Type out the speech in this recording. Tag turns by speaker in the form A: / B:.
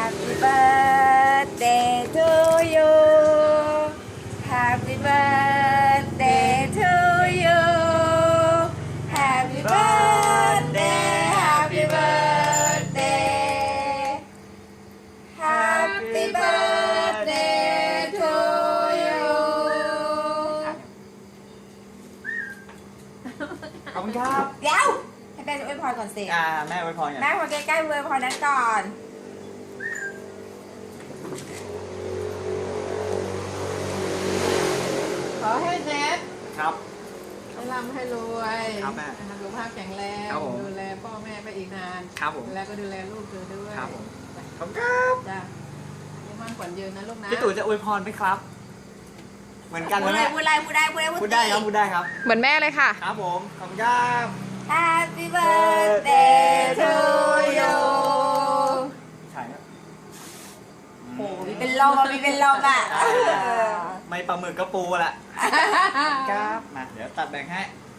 A: Happy birthday to you Happy birthday to you Happy birthday Happy birthday Happy birthday to you
B: ขอบคุณครับ
A: เดี๋ยวให้แม่จะอวยพรก่อนสิ
B: แม่อวยพรอย่าง
A: แม่พอใกล้ๆอวยพรนั้นก่อน
C: ขอให้เน็ต
B: ครับ
C: ให้ร่ำให้รวย
B: ครับแม่
C: สุขภาพแข็งแรง
B: ครับผม
C: ดูแลพ่อแม่ไปอีกนาน
B: ครับผม
C: แล้วก็ดูแลลูกเธอด้วย
B: ครับผม ขอบคุณครับ
C: จ้ะยังมั่นขวัญยืนนะลูกนะ
B: พี่ตู่จะอวยพรไหมครับ เหมือนกัน
A: พูด
B: ไหม
A: เลย
B: แม่
A: พูดเลยพูดได้พูดได้
B: พูดได้ครับพูดได้ครับ
C: เหมือนแม่เลยค่ะ
B: ครับผม ขอบคุณครับ
A: Happy birthday to you
B: ใช่ครับ
A: โอ้มีเป็นลมอ่ะมีเป็นลมอ่ะ
B: ไม่ปลาหมึกก็ปูแหละครับ มา เดี๋ยวตัดแบ่งให้